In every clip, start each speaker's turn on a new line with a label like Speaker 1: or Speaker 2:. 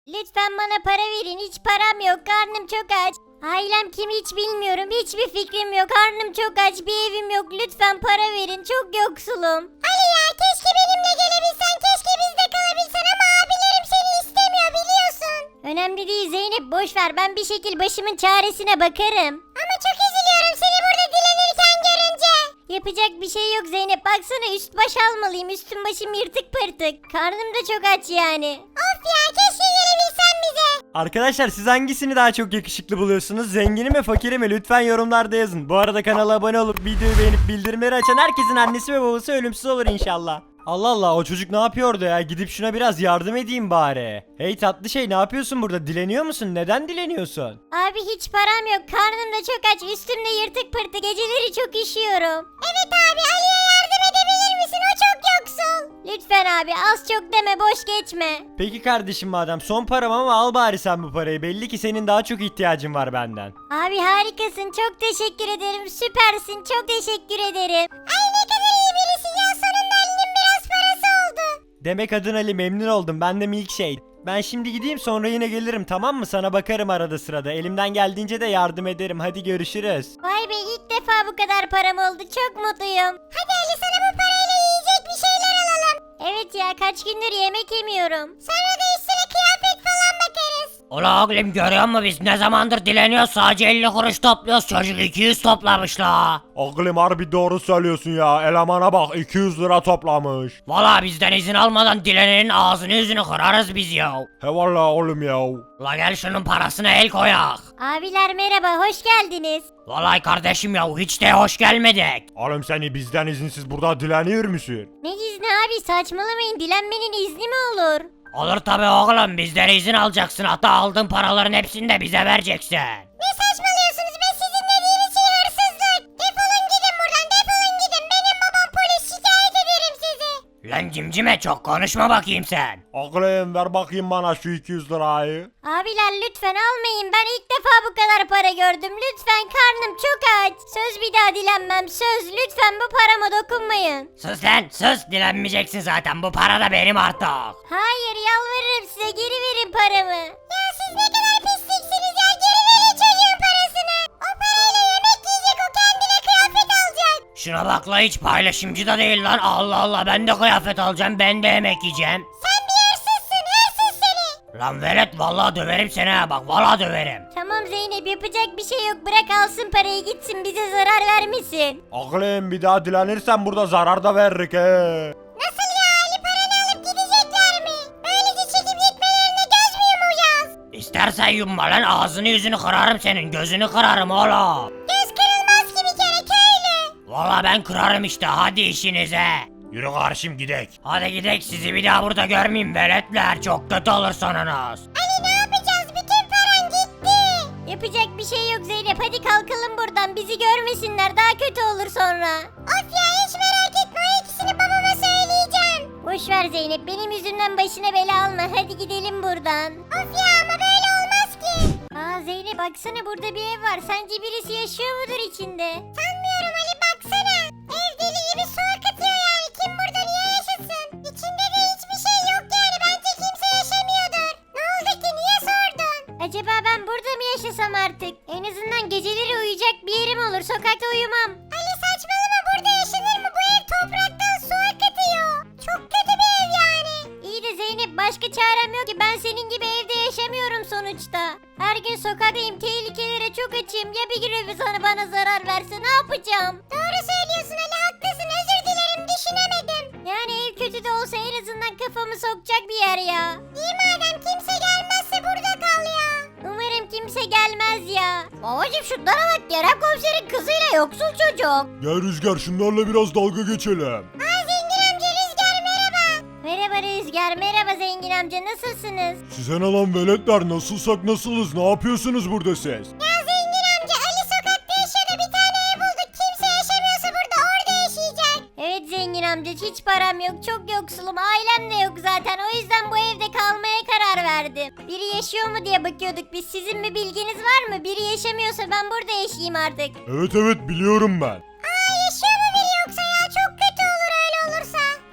Speaker 1: Lütfen bana para verin. Hiç param yok. Karnım çok aç. Ailem kim hiç bilmiyorum. Hiçbir fikrim yok. Karnım çok aç. Bir evim yok. Lütfen para verin. Çok yoksulum. Ali ya keşke benimle gelebilsen. Keşke bizde kalabilsen ama abilerim seni istemiyor biliyorsun. Önemli değil Zeynep. Boş ver. Ben bir şekil başımın çaresine bakarım. Ama çok üzülüyorum seni burada dilenirken görünce. Yapacak bir şey yok Zeynep. Baksana üst baş almalıyım. Üstüm başım yırtık pırtık. Karnım da çok aç yani. Of ya keşke gelebilsen bize.
Speaker 2: Arkadaşlar siz hangisini daha çok yakışıklı buluyorsunuz? Zengini mi fakiri mi? Lütfen yorumlarda yazın. Bu arada kanala abone olup videoyu beğenip bildirimleri açan herkesin annesi ve babası ölümsüz olur inşallah. Allah Allah, o çocuk ne yapıyordu ya? Gidip şuna biraz yardım edeyim bari. Hey tatlı şey, ne yapıyorsun burada? Dileniyor musun? Neden dileniyorsun?
Speaker 1: Abi hiç param yok. Karnım da çok aç. Üstümde yırtık pırtık. Geceleri çok üşüyorum. Evet abi Ali'ye yardım edebilir misin? O çok yoksul. Lütfen abi az çok deme boş geçme.
Speaker 2: Peki kardeşim, madem son param ama al bari sen bu parayı. Belli ki senin daha çok ihtiyacın var benden.
Speaker 1: Abi harikasın. Çok teşekkür ederim. Süpersin. Çok teşekkür ederim. Ay ne kadar iyi birisin ya. Sonunda Ali'nin biraz parası oldu.
Speaker 2: Demek adın Ali, memnun oldum. Ben de Milkshake. Ben şimdi gideyim, sonra yine gelirim, tamam mı? Sana bakarım arada sırada. Elimden geldiğince de yardım ederim. Hadi görüşürüz.
Speaker 1: Vay be ilk defa bu kadar param oldu. Çok mutluyum. Hadi Ali sana bu parayla yiyecek bir şeyler alalım. Evet ya kaç gündür yemek yemiyorum. Sonra da üstüne kıyafet falan bakarız.
Speaker 3: Ula oğlum görüyor musun biz ne zamandır dileniyoruz, sadece 50 kuruş topluyoruz, çocuk 200 toplamış la.
Speaker 4: Oğlum harbi doğru söylüyorsun ya. Elemana bak 200 lira toplamış.
Speaker 3: Valla bizden izin almadan dilenenin ağzını yüzünü kırarız biz ya.
Speaker 4: He valla oğlum ya.
Speaker 3: La gel şunun parasına el koyak.
Speaker 1: Abiler merhaba hoş geldiniz.
Speaker 3: Vallahi kardeşim ya hiç de hoş gelmedik.
Speaker 4: Oğlum seni bizden izinsiz burada dileniyor musun?
Speaker 1: Ne izni abi saçmalamayın dilenmenin izni mi olur?
Speaker 3: Olur tabi oğlum, bizden izin alacaksın, hatta aldığın paraların hepsini de bize vereceksin.
Speaker 1: Ne saçmalıyorsunuz be sizin dediğiniz şey hırsızlık. Defolun gidin buradan defolun gidin. Benim babam polis şikayet ederim sizi.
Speaker 3: Lan cimcime çok konuşma bakayım sen.
Speaker 4: Oğlum ver bakayım bana şu 200 lirayı.
Speaker 1: Abiler lütfen almayın ben ilk defa bu kadar para gördüm. Lütfen karnım çok aç. Söz bir daha dilenmem söz. Lütfen bu parama dokunmayın.
Speaker 3: Sus lan sus, dilenmeyeceksin zaten, bu para da benim artık.
Speaker 1: Hayır yalvarırım size geri verin paramı. Ya siz ne kadar pisliksiniz ya geri verin çocuğun parasını. O parayla yemek yiyecek o kendine kıyafet alacak.
Speaker 3: Şuna bak la, hiç paylaşımcı da değil lan, Allah Allah, ben de kıyafet alacağım, ben de yemek yiyeceğim.
Speaker 1: Sen bir hırsızsın hırsız seni.
Speaker 3: Lan velet vallahi döverim seni ha, bak vallahi döverim.
Speaker 1: Tamam Zeynep yapacak bir şey yok bırak alsın parayı gitsin bize zarar vermesin.
Speaker 4: Oğlum bir daha dilenirsen burada zarar da veririk he.
Speaker 1: Nasıl ya Ali paranı alıp gidecekler mi? Böylece çekip gitmelerine göz mü yumacağız?
Speaker 3: İstersen yumma lan, ağzını yüzünü kırarım senin, gözünü kırarım oğlum.
Speaker 1: Göz kırılmaz ki bir kere köylü.
Speaker 3: Vallahi ben kırarım işte, hadi işinize.
Speaker 4: Yürü karşım gidek.
Speaker 3: Hadi gidek, sizi bir daha burada görmeyeyim veletler, çok kötü olur sonunuz.
Speaker 1: Ali ne yapacağız bütün paran gitti. Yapacak bir şey yok Zeynep hadi kalkalım buradan bizi görmesinler daha kötü olur sonra. Of ya hiç merak etme o ikisini babama söyleyeceğim. Boş ver Zeynep benim yüzümden başına bela alma hadi gidelim buradan. Of ya ama böyle olmaz ki. Aa Zeynep baksana burada bir ev var sence birisi yaşıyor mudur içinde? Sanmıyorum Ali baksana. Ev deli gibi su akıtıyor yani kim burada niye yaşasın? İçinde de hiçbir şey yok yani bence kimse yaşamıyordur. Ne oldu ki niye sordun? Acaba ben burada mı yaşasam artık? En azından geceleri uyuyacak bir yerim olur sokakta uyumam. Ali saçmalama burada yaşanır mı? Bu ev topraktan su akıtıyor. Çok kötü bir ev yani. İyi de Zeynep başka çarem yok ki ben senin gibi evde yaşamıyorum sonuçta. Her gün sokaktayım tehlikelere çok açım ya bir gün bana zarar verse ne yapacağım? Doğru söylüyorsun Ali haklısın özür dilerim düşünemedim. Yani ev kötü de olsa en azından kafamı sokacak bir yer ya. İyi madem kimse gelmezse burada kal ya. Umarım kimse gelmez ya. Babacım şunlara bak Kerem komiserin kızıyla yoksul çocuk.
Speaker 4: Gel Rüzgar şunlarla biraz dalga geçelim.
Speaker 1: Aa zengin amca Rüzgar merhaba. Merhaba Rüzgar merhaba zengin amca nasılsınız?
Speaker 4: Size ne lan veletler, nasılsak nasılız, ne yapıyorsunuz burada siz?
Speaker 1: Ya zengin amca Ali sokakta yaşıyordu bir tane ev bulduk kimse yaşamıyorsa burada orada yaşayacak. Evet zengin amca hiç param yok çok yoksulum ailem de yok zaten o yüzden bu evde kalmaya karar verdim. Biri yaşıyor mu diye bakıyorduk biz sizin bir bilginiz var mı? Biri yaşamıyorsa ben burada yaşayayım artık.
Speaker 4: Evet biliyorum ben.
Speaker 1: Aa yaşıyor mu biri yoksa ya çok kötü olur öyle olursa.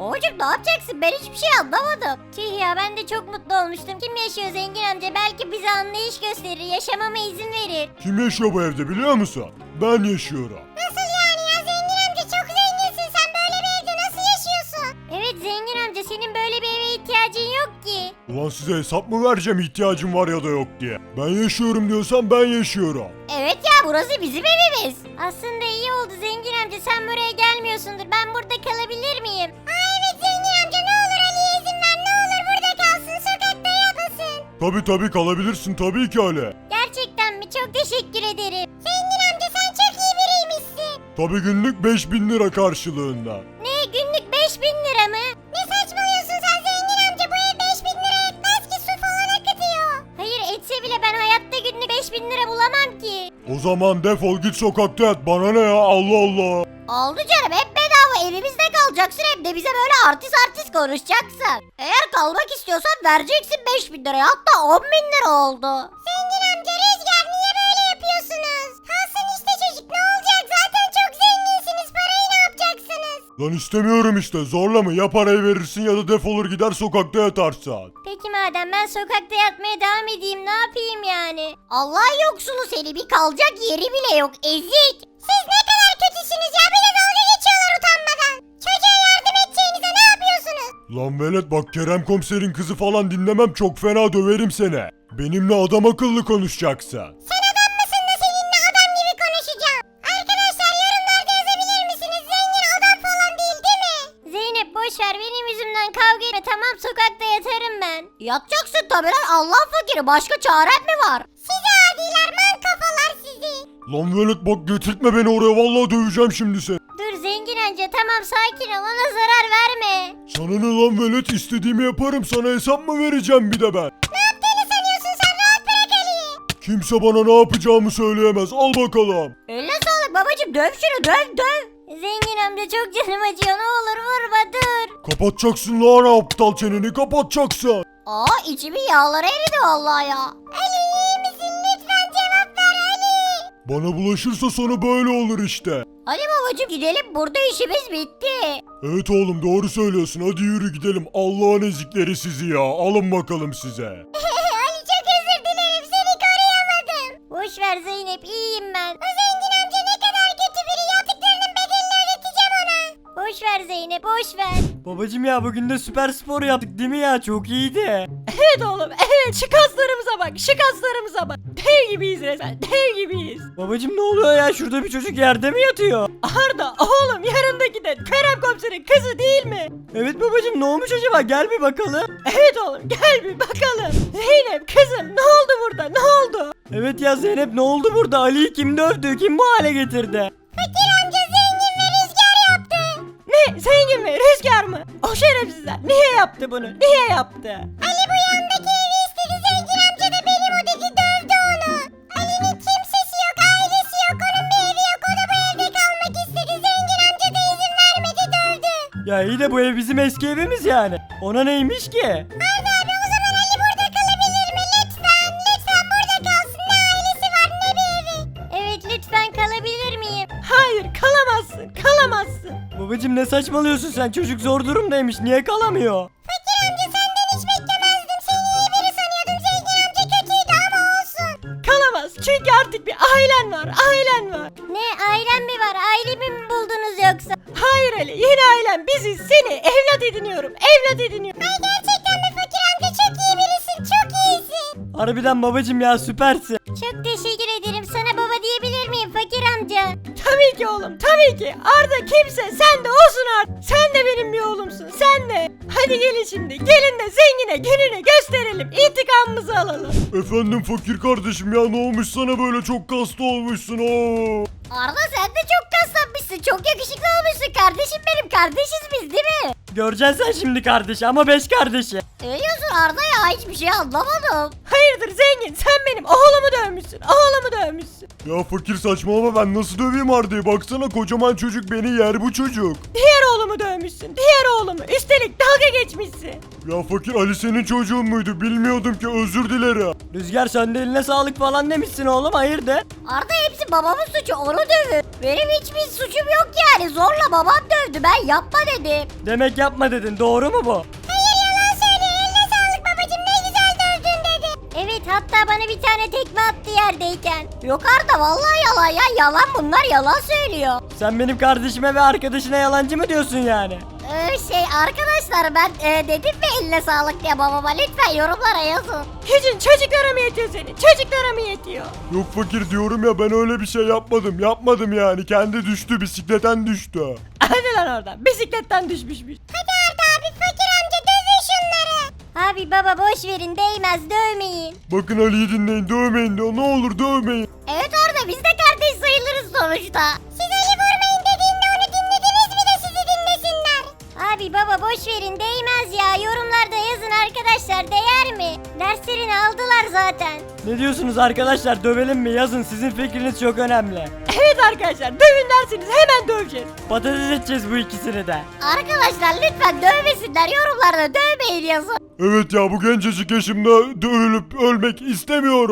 Speaker 1: Babacım ne yapacaksın? Ben hiçbir şey anlamadım. Tüh ya, ben de çok mutlu olmuştum. Kim yaşıyor zengin amca? Belki bize anlayış gösterir, yaşamama izin verir.
Speaker 4: Kim yaşıyor bu evde biliyor musun? Ben yaşıyorum.
Speaker 1: Nasıl yani ya, zengin amca çok zenginsin, sen böyle bir evde nasıl yaşıyorsun? Evet zengin amca, senin böyle bir eve ihtiyacın yok ki.
Speaker 4: Ulan size hesap mı vereceğim ihtiyacım var ya da yok diye. Ben yaşıyorum diyorsan ben yaşıyorum.
Speaker 1: Evet ya, burası bizim evimiz. Aslında iyi oldu zengin amca, sen buraya gelmiyorsundur. Ben burada kalabilir miyim? Aa evet zengin amca, ne olur Ali'ye izin ver, ne olur burada kalsın, sokakta yapmasın.
Speaker 4: Tabi kalabilirsin tabii ki Ali.
Speaker 1: Gerçekten mi? Çok teşekkür ederim. Zengin amca sen çok iyi biriymişsin.
Speaker 4: Tabi günlük 5000 lira karşılığında.
Speaker 1: Ne, günlük 5000 lira mı? Ne saçmalıyorsun sen zengin amca, bu ev 5000 lira etmez ki, su falan akıtıyor. Hayır etse bile ben hayatta günlük 5000 lira bulamam ki.
Speaker 4: O zaman defol git sokakta yat, bana ne ya, Allah Allah.
Speaker 1: Oldu canım, hep bedava evimizde kalacaksın, hem de bize böyle artist konuşacaksın. Eğer kalmak istiyorsan vereceksin 5000 liraya, hatta 10.000 lira oldu. Zengin amca, Rüzgar niye böyle yapıyorsunuz? Kalsın işte çocuk, ne olacak, zaten çok zenginsiniz, parayı ne yapacaksınız?
Speaker 4: Lan istemiyorum işte, zorla mı, ya parayı verirsin ya da defolur gider sokakta yatarsın.
Speaker 1: Peki madem ben sokakta yatmaya devam edeyim, ne yapayım yani? Allah yoksulu seni, bir kalacak yeri bile yok, ezik. Siz ne kadar kötüsünüz ya, bir de dalga geçiyorlar utanmadan. Çocuğa yardım edeceğinize ne yapıyorsunuz?
Speaker 4: Lan velet bak, Kerem komiserin kızı falan dinlemem, çok fena döverim seni. Benimle adam akıllı konuşacaksın.
Speaker 1: Sen adam mısın da seninle adam gibi konuşacağım? Arkadaşlar yorumlarda yazabilir misiniz? Zengin adam falan değil mi? Zeynep boşver, benim yüzümden kavga etme, tamam, sokakta yatarım ben. Yatacaksın tabi lan, Allah fakiri, başka çaren mi var? Sizi adiler, man kafalar sizi.
Speaker 4: Lan velet bak, getirtme beni oraya, vallahi döveceğim şimdi seni.
Speaker 1: Dur zengin amca, tamam sakin ol, ona zarar verme.
Speaker 4: Sana ne lan velet, istediğimi yaparım, sana hesap mı vereceğim bir de ben?
Speaker 1: Ne yaptığını sanıyorsun sen, rahat bırak Ali'yi.
Speaker 4: Kimse bana ne yapacağımı söyleyemez, al bakalım.
Speaker 1: Eline sağlık babacım, döv şunu, döv. Zengin amca çok canım acıyor, ne olur vurma, dur.
Speaker 4: Kapatacaksın lan aptal çeneni, kapatacaksın.
Speaker 1: Aa, içimin yağları eridi vallahi ya. Ali iyi misin, lütfen cevap ver Ali.
Speaker 4: Bana bulaşırsa sonu böyle olur işte.
Speaker 1: Ali babacım gidelim, burada işimiz bitti.
Speaker 4: Evet oğlum, doğru söylüyorsun, hadi yürü gidelim, Allah'ın ezikleri sizi ya, alın bakalım size.
Speaker 1: Ali çok özür dilerim, seni koruyamadım. Boş ver Zeynep, iyiyim ben. O zengin amca ne kadar kötü biri, yaptıklarının bedelini ödeteceğim ona. Boş ver Zeynep, boş ver.
Speaker 2: Babacım ya, bugün de süper spor yaptık değil mi ya? Çok iyiydi.
Speaker 5: Evet oğlum, evet, şu kaslarımıza bak, şu kaslarımıza bak. Dev gibiyiz resmen, dev gibiyiz.
Speaker 2: Babacım ne oluyor ya? Şurada bir çocuk yerde mi yatıyor?
Speaker 5: Arda oğlum, yanındaki de Kerem komiserin kızı değil mi?
Speaker 2: Evet babacım, ne olmuş acaba? Gel bir bakalım.
Speaker 5: Evet oğlum, gel bir bakalım. Zeynep kızım, ne oldu burada, ne oldu?
Speaker 2: Evet ya Zeynep, ne oldu burada? Ali'yi kim dövdü? Kim bu hale getirdi?
Speaker 1: Fakir amca zengin ve rüzgar yaptı.
Speaker 5: Ne, zengin mi, rüzgar mı? O şerefsizler niye yaptı bunu, niye yaptı?
Speaker 1: Ali bu yandaki evi istedi, zengin amca da benim odaki dövdü onu. Ali'nin kimsesi yok, ailesi yok, onun bir evi yok, o da bu evde kalmak istedi. Zengin amca da izin vermedi, dövdü.
Speaker 2: Ya iyi de bu ev bizim eski evimiz yani. Ona neymiş ki?
Speaker 1: Arda abi, o zaman Ali burada kalabilir mi? Lütfen burada kalsın, ne ailesi var ne bir evi. Evet lütfen, kalabilir miyim?
Speaker 5: Hayır, kalamazsın, kalamazsın.
Speaker 2: Babacım ne saçmalıyorsun sen? Çocuk zor durumdaymış. Niye kalamıyor?
Speaker 1: Fakir amca senden hiç beklemezdim, seni iyi biri sanıyordum. Zengin amca kötüydü ama olsun.
Speaker 5: Kalamaz, çünkü artık bir ailen var, ailen var.
Speaker 1: Ne, ailem mi var? Ailemi mi buldunuz yoksa?
Speaker 5: Hayır Ali, yeni ailen biziz, seni evlat ediniyorum, evlat ediniyorum.
Speaker 1: Ay gerçekten mi fakir amca, çok iyi birisin, çok iyisin.
Speaker 2: Harbiden babacım ya, süpersin.
Speaker 1: Çok teşekkür ederim. Sana baba diyebilir miyim fakir amca?
Speaker 5: Tabii ki oğlum, tabii ki. Arda kimse, sen de olsun Arda. Sen de benim bir oğlumsun, sen de. Hadi gelin şimdi, gelin de zengine gününü gösterelim, intikamımızı alalım.
Speaker 4: Efendim fakir kardeşim ya, ne olmuş sana böyle, çok kaslı olmuşsun o.
Speaker 1: Arda sen de çok kaslanmışsın. Çok yakışıklı olmuşsun. Kardeşim benim. Kardeşiz biz değil mi?
Speaker 2: Göreceksin sen şimdi kardeşi, ama 5 kardeşi.
Speaker 1: Ne diyorsun Arda ya? Hiçbir şey anlamadım.
Speaker 5: Hayır Hayırdır zengin, sen benim oğlumu dövmüşsün, oğlumu dövmüşsün.
Speaker 4: Ya fakir saçmalama, ben nasıl döveyim Arda'yı? Baksana kocaman çocuk beni yer bu çocuk.
Speaker 5: Diğer oğlumu dövmüşsün, diğer oğlumu. Üstelik dalga geçmişsin.
Speaker 4: Ya fakir, Ali senin çocuğun muydu? Bilmiyordum ki, özür dilerim.
Speaker 2: Rüzgar sen de eline sağlık falan demişsin oğlum, hayırdır?
Speaker 1: Arda hepsi babamın suçu, onu dövün. Benim hiçbir suçum yok yani. Zorla babam dövdü, ben yapma dedim.
Speaker 2: Demek yapma dedin, doğru mu bu?
Speaker 1: Hayır, yalan söylüyor. Eline sağlık babacım, ne güzel dövdün dedi. Evet, hatta bana bir tane tekme attı yerdeyken. Yok Arda, vallahi yalan ya, yalan, bunlar yalan söylüyor.
Speaker 2: Sen benim kardeşime ve arkadaşına yalancı mı diyorsun yani?
Speaker 1: Arkadaşlar ben dedim mi eline sağlık diye babama, lütfen yorumlara yazın.
Speaker 5: Gücün çocuklara mı yetiyor senin? Çocuklara mı yetiyor?
Speaker 4: Yok fakir, diyorum ya, ben öyle bir şey yapmadım yani, kendi düştü, bisikletten düştü.
Speaker 5: Hadi lan oradan, bisikletten düşmüşmüş.
Speaker 1: Hadi Arda abi, fakir amca dövün şunları. Abi baba boş verin, değmez, dövmeyin.
Speaker 4: Bakın Ali'yi dinleyin, dövmeyin diyor, ne olur dövmeyin.
Speaker 1: Evet Arda, biz de kardeş sayılırız sonuçta. Siz Ali vurmayın dediğinde onu dinlediniz mi de sizi dinlesinler? Abi baba boş verin, değmez ya, yorumlarda yazın arkadaşlar, değer mi? Derslerini aldılar zaten.
Speaker 2: Ne diyorsunuz arkadaşlar, dövelim mi? Yazın, sizin fikriniz çok önemli.
Speaker 5: Evet arkadaşlar, dövün derseniz hemen döveceğiz.
Speaker 2: Patates edeceğiz bu ikisini de.
Speaker 1: Arkadaşlar lütfen dövmesinler, yorumlarda dövmeyin yazın.
Speaker 4: Evet ya, bu gencecik yaşımda dövülüp ölmek istemiyorum.